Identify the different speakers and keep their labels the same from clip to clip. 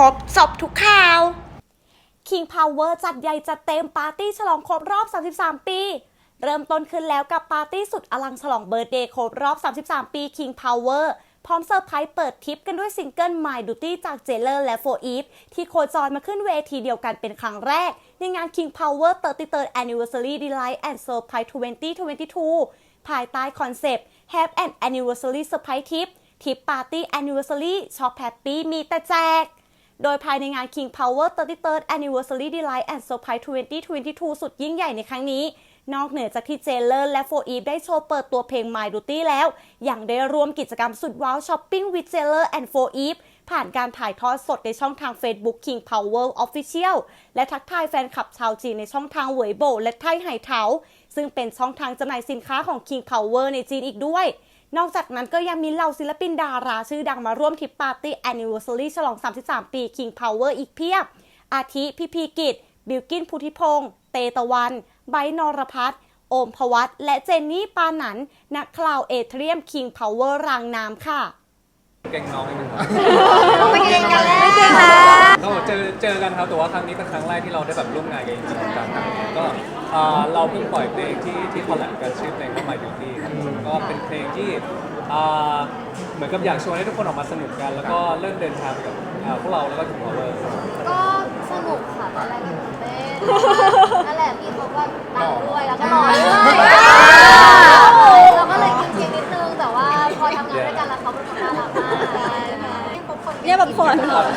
Speaker 1: รบจบทุกข่าว
Speaker 2: King Power จัดใหญ่จัดเต็มปาร์ตี้ฉลองครบรอบ 33 ปี เริ่มต้นขึ้นแล้วกับปาร์ตี้สุดอลังฉลองเบิร์ธเดย์ครบรอบ 33 ปี King Power พร้อมเซอร์ไพรส์เปิดทริปกันด้วยซิงเกิล My Duty จาก Jailer และ 4EVE ที่โคจรมาขึ้นเวทีเดียวกันเป็นครั้งแรกในงาน King Power 33rd Anniversary Delight and Surprise 2022 ภายใต้คอนเซปต์ Have an Anniversary Surprise Trip ทริปปาร์ตี้ Anniversary ช็อปแฮปปี้มีแต่แจกโดยภายในงาน King Power 33rd Anniversary Delight and Surprise 2022 สุดยิ่งใหญ่ในครั้งนี้นอกเหนือจากที่ Jailer และ 4EVE ได้โชว์เปิดตัวเพลง My Duty แล้วยังได้ร่วมกิจกรรมสุดว้าว Shopping with Jailer and 4EVE ผ่านการถ่ายทอดสดในช่องทาง Facebook King Power Official และทักทายแฟนคลับชาวจีนในช่องทางเหวยโบและไทไหเถาซึ่งเป็นช่องทางจำหน่ายสินค้าของ King Power ในจีนอีกด้วยนอกจากนั้นก็ยังมีเหล่าศิลปินดาราชื่อดังมาร่วมทริปปาร์ตี้ Anniversary ฉลอง 33 ปี King Power อีกเพียบอาทิพี่พีกิจบิลกินพุทธิพงษ์เตตะวันไบร์ทนรพัฒน์โอมพวัตและเจนนี่ปานันนักคลาวเอเทรียม King Power รางน้ำค่ะ
Speaker 3: เก่งน้องนิดนึงครับ
Speaker 1: ไม่เก่งกันแล้ว
Speaker 3: ก็เจอกันครับแต่ว่าครั้งนี้เป็นครั้งแรกที่เราได้แบบร่วมงานกันจริงๆจังๆก็เราเพิ่งปล่อยเพลงที่คอลแลบกันชื่อเพลงว่า My Beauty ครับก็เป็นเพลงที่เหมือนกับอยากชวนให้ทุกคนออกมาสนุกกันแล้วก็เริ่มเดินทางไปกับพวกเราแล้วก็ถึง Power
Speaker 4: ก็สนุกค่ะตอนแรกก็ตื่นเต้นนั่นแหละพี่เขาก็ดังด้วยแล้วก็หล่อด้วยเราก็เลยกินนิดนึงแต่ว่าพอทำงานด้วยกันแล้วเขาเป็นคนน่ารักมาก
Speaker 2: เนี่ยแบบคน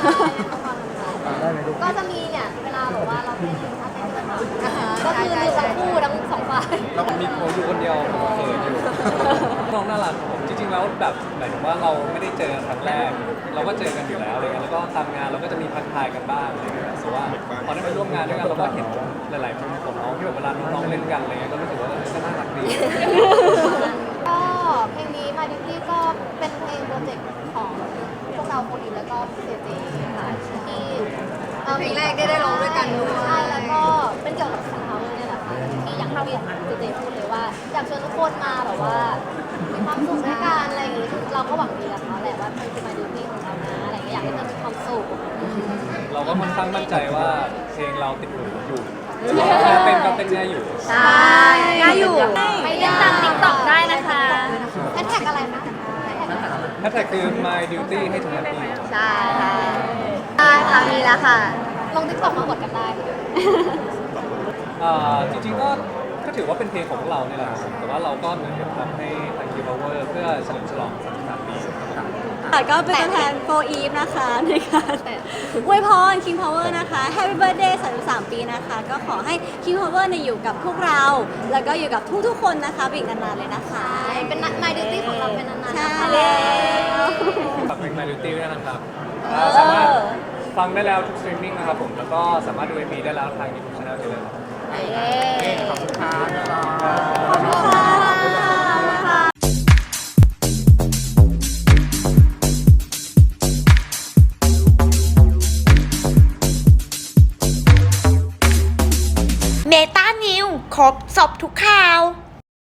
Speaker 4: ก็จะมีเนี่ยเวลาแบบว่าเราเต้นถ้าเต้นด้วยกันก็คือมีทั้งคู่ทั้งสองฝ่าย
Speaker 3: แล้วมีผมอยู่คนเดียวผมเขินอยู่น้องน่ารักผมจริงๆแล้วแบบหมายถึงว่าเราไม่ได้เจอครั้งแรกเราก็เจอกันอยู่แล้วอะไรเงี้ยแล้วก็ตามงานเราก็จะมีพักทายกันบ้างอะไรเงี้ยแต่ว่าพอได้มาร่วมงานด้วยกันเราก็เห็นหลายๆมุมของน้องที่แบบเวลาน้องๆเล่นกันอะไรเงี้ยก็รู้สึกว่าก็น่ารักดี
Speaker 4: ก็เพลงนี้มาดิพี่ก็เป็นเพลงโปรเจกต์ของพวกเราโคอีแล้วก็เจเจค่ะที่เพลงแรกได้ร้องด้วยกันด้วยใช่แล้วก็เป็นเกี่ยวกับKing Powerเนี่ยแหละค่ะที่อย่างที่เจเจพูดเลยว่าอยากชวนทุกคนมาแบบว่ามีความสุขด้วยกันอะไรอย่างงี้เราก็หวังดีกับเขาแหละว่ามันคือมาดิพี่ของเรานะอะไรอย่างเงี้ยอยากให้เธอมีความสุข
Speaker 3: เราก็ค่อนข้างมั่นใจว่าเพลงเราติดหูอยู่เต้นก็เต้นง่ายอยู่
Speaker 1: ใช่ง่ายอยู่
Speaker 4: ไปเล่นตาม TikTok ได้นะคะแฮชแท็กอะไรนะ
Speaker 3: แฮชแท็กคือ My Duty ให้ถึง Happy
Speaker 1: ใช่ค่ะมีแล้วค่ะ
Speaker 4: ลง TikTok มากดกันได้
Speaker 3: จริงๆก็ถือว่าเป็นเพลงของพวกเราเนี่ยแหละแต่ว่าเราก็เหมือนกับทำให้ทาง King Power เพื่อเฉลิมฉลอง 33 ปี
Speaker 2: ก็เป็นตัวแทน 4EVE นะคะในการอวยพร King Power นะคะ Happy Birthday 33 ปีนะคะก็ขอให้ King Power อยู่กับพวกเราแล้วก็อยู่กับทุกๆคนนะคะอีกนานๆเลยนะคะ
Speaker 4: เป็น My Duty ของเราเป็นนานๆ
Speaker 2: ใช่
Speaker 3: ฝากเพลง My Duty ด้วยนะครับสามารถฟังได้แล้วทุกสตรีมมิ่งนะครับผมแล้วก็สามารถดู MV ได้แล้วทาง YouTube Channel ได้เลย
Speaker 1: ขอบคุณค่ะ
Speaker 4: ขอบคุณค่ะ
Speaker 1: เมตานิวครบจบทุกข่าว